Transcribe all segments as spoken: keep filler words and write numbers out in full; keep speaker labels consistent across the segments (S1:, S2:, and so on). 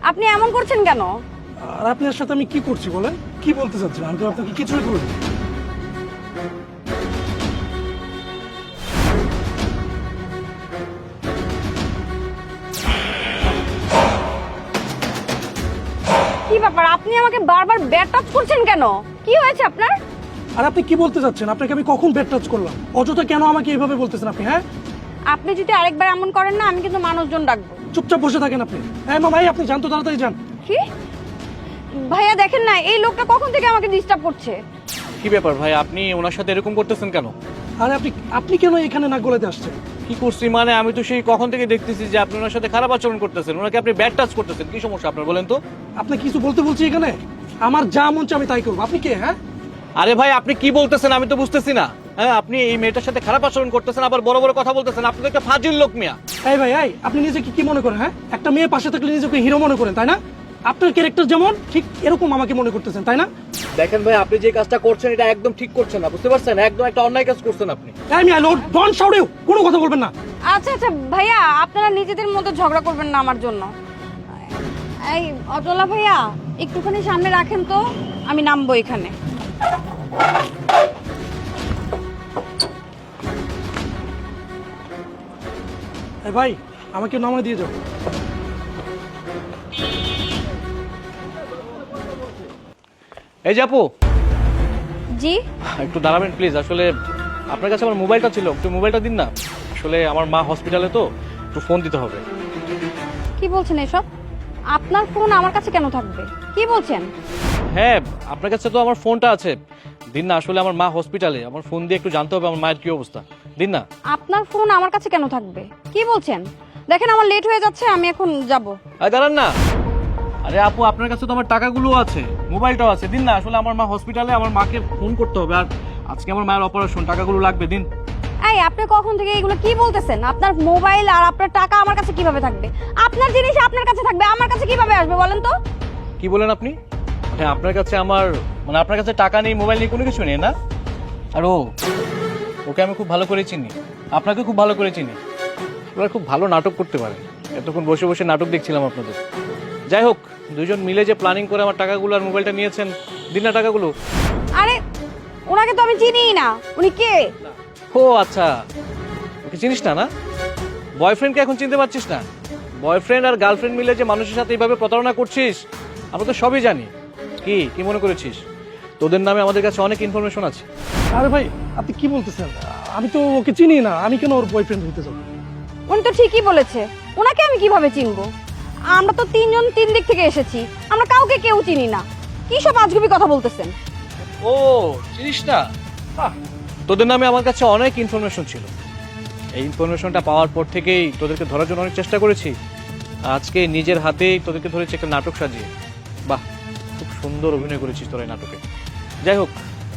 S1: আপনি এমন করছেন কেন?
S2: আর আপনার সাথে আমি কি করছি বলেন? কি বলতে চাচ্ছেন? আমি তো আপনাকে কিছুই করিনি।
S1: কি ব্যাপার, আপনি আমাকে বারবার ব্যাট টাচ করছেন কেন? কি হয়েছে আপনার?
S2: আর আপনি কি বলতে চাচ্ছেন? আপনাকে আমি কখন ব্যাট টাচ করলাম? অযথা কেন আমাকে এইভাবে বলতেছেন আপনি? হ্যাঁ,
S1: আপনি যদি আরেকবার এমন করেন না, আমি কিন্তু মানুষজন ডাকবো।
S2: চুপচাপ বসে থাকেন আপনি। হ্যাঁ মা ভাই, আপনি যান তো, তাড়াতাড়ি যান।
S1: কি ভাইয়া, দেখেন না এই লোকটা কখন থেকে আমাকে ডিস্টার্ব করছে।
S3: কি ব্যাপার ভাই, আপনি ওনার সাথে এরকম করতেছেন কেন?
S2: আরে আপনি আপনি কেন এখানে নাক গলাতে আসছেন?
S3: কি করছি মানে? আমি তো সেই কখন থেকে দেখতেছি যে আপনি ওনার সাথে খারাপ আচরণ করতেছেন, ওনাকে আপনি ব্যাড টাচ করতেছেন। কি সমস্যা আপনার বলেন তো?
S2: আপনি কিছু বলতে বলছি এখানে? আমার যা মন চায় আমি তাই করবো। আপনি কে? হ্যাঁ,
S3: আরে ভাই, আপনি কি বলতেছেন আমি তো বুঝতেছি না। হ্যাঁ, আপনি এই মেয়েটার সাথে খারাপ আচরণ করতেছেন, আবার বড় বড় কথা বলতেছেন। আপনি তো একটা ফাজিল লোক মিয়া।
S2: এই ভাই, এই আপনি নিজেকে কি মনে করেন? হ্যাঁ, একটা মেয়ে পাশে থাকলে নিজেকে হিরো মনে করেন, তাই না? আপনার ক্যারেক্টার যেমন ঠিক এরকম আমাকে মনে করতেছেন, তাই না?
S3: দেখেন ভাই, আপনি যে কাজটা করছেন এটা একদম ঠিক করছেন না, বুঝতে পারছেন? একদম একটা অন্যায় কাজ করছেন আপনি।
S2: এই মিয়া, লোড ডন শাউট, কোনো কথা বলবেন না।
S1: আচ্ছা আচ্ছা ভাইয়া, আপনারা নিজেদের মধ্যে ঝগড়া করবেন না আমার জন্য। এই অচলা ভাইয়া, একটুখানি সামনে রাখেন তো, আমি নামবো এখানে।
S2: এই ভাই, আমাকে নামায় দিয়ে যাও।
S3: এই যে আপু,
S1: জি
S3: একটু দাঁড়াবেন প্লিজ। আসলে আপনার কাছে আমার মোবাইলটা ছিল, একটু মোবাইলটা দিন না। আসলে আমার মা হসপিটালে, তো একটু ফোন দিতে হবে।
S1: কি বলছেন এসব? আপনার ফোন আমার কাছে কেন থাকবে? কি বলছেন?
S3: হ্যাঁ, আপনার কাছে তো আমার ফোনটা আছে, দিন না। আসলে আমার মা হসপিটালে, আমার ফোন দিয়ে একটু জানতে হবে আমার মায়ের কি অবস্থা, দিন না।
S1: আপনার ফোন আমার কাছে কেন থাকবে? কি বলছেন? দেখেন আমার লেট হয়ে যাচ্ছে, আমি এখন যাব।
S3: আরে দাঁড়ান না। আরে আপু, আপনার কাছে তো আমার টাকাগুলো আছে, মোবাইলটাও আছে, দিন না। আসলে আমার মা হসপিটালে, আমার মাকে ফোন করতে হবে, আর আজকে আমার মায়ের অপারেশন, টাকাগুলো লাগবে, দিন।
S1: এই আপনি কখন থেকে এগুলো কি বলতেছেন? আপনার মোবাইল আর আপনার টাকা আমার কাছে কিভাবে থাকবে? আপনার জিনিস আপনার কাছে থাকবে, আমার কাছে কিভাবে আসবে বলেন তো?
S3: কি বলেন আপনি? হ্যাঁ, আপনার কাছে আমার মানে আপনার কাছে টাকা নেই, মোবাইল নেই, কোনো কিছু নেই না? আর ও, ওকে আমি খুব ভালো করে চিনি, আপনাকে খুব ভালো করে চিনি। ওরা খুব ভালো নাটক করতে পারে। এতক্ষণ বসে বসে নাটক দেখছিলাম আপনাদের। যাই হোক, দুজন মিলে যে প্ল্যানিং করে আমার টাকাগুলো আর মোবাইলটা নিয়েছেন, দিন না টাকাগুলো।
S1: আরে ওনাকে তো আমি চিনিই না, উনি কে?
S3: ও আচ্ছা, ওকে চিনিস না? না, বয়ফ্রেন্ডকে এখন চিনতে পারছিস না? বয়ফ্রেন্ড আর গার্লফ্রেন্ড মিলে যে মানুষের সাথে এইভাবে প্রতারণা করছিস, আমরা তো সবই জানি। কি কি মনে করেছিস? তোদের নামে আমাদের কাছে অনেক ইনফরমেশন আছে।
S2: আরে ভাই, আপনি কি বলতেছেন? আমি তো ওকে চিনি না, আমি কেন ওর বয়ফ্রেন্ড হইতে যাবো?
S1: উনি তো ঠিকই বলেছে, ওনাকে আমি কিভাবে চিনবো? আমরা তো তিনজন তিন দিক থেকে এসেছি, আমরা কাউকে কেউ চিনি না। কি সব আজগুবি কথা বলতেছেন?
S3: ও, চিনিস না? বাহ, তোদের নামে আমার কাছে অনেক ইনফরমেশন ছিল। এই ইনফরমেশনটা পাওয়ার পর থেকেই তোদেরকে ধরার জন্য অনেক চেষ্টা করেছি। আজকে নিজের হাতেই তোদেরকে ধরেছি একটা নাটক সাজিয়ে। বাহ, খুব সুন্দর অভিনয় করেছিস তোরা এই নাটকে। যাই হোক,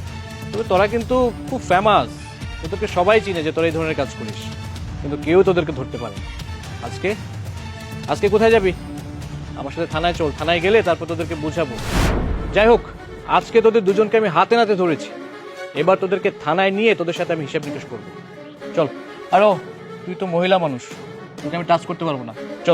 S3: তবে তোরা কিন্তু খুব ফেমাস, তোদেরকে সবাই চিনে যে তোরা এই ধরনের কাজ করিস, কিন্তু কেউ তোদেরকে ধরতে পারে না। আজকে আজকে কোথায় যাবি? আমার সাথে থানায় চল, থানায় গেলে তারপর তোদেরকে বুঝাবো। যাই হোক, আজকে তোদের দুজনকে আমি হাতে নাতে ধরেছি, এবার তোদেরকে থানায় নিয়ে তোদের সাথে আমি হিসাব নিকাশ করবো। চল। আরো, তুই তো মহিলা মানুষ, তোকে আমি টাচ করতে পারবো না, চল।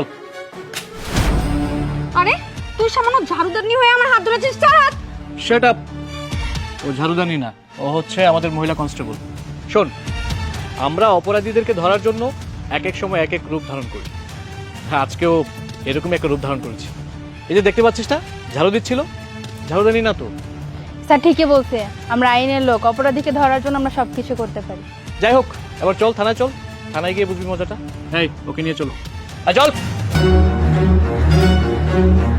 S1: আরে তুই সামান্য ঝাড়ুদারনি হয়ে আমার হাত ধরেছিস? চার হাত।
S3: Shut up. ও ঝাড়ুদানি না, ও হচ্ছে আমাদের মহিলা কনস্টেবল। শোন, আমরা অপরাধীদেরকে ধরার জন্য এক এক সময় এক এক রূপ ধারণ করি। হ্যাঁ, আজকেও এরকমই একটা রূপ ধারণ করেছি। এই যে দেখতে পাচ্ছিস না, ঝাড়ু দিচ্ছিল, ঝাড়ুদানি না তো।
S4: স্যার ঠিকই বলছে, আমরা আইনের লোক, অপরাধীকে ধরার জন্য আমরা সবকিছু করতে পারি।
S3: যাই হোক, এবার চল থানায়, চল, থানায় গিয়ে বুঝবি মজাটা। হ্যাঁ, ওকে নিয়ে চলো, আর চল।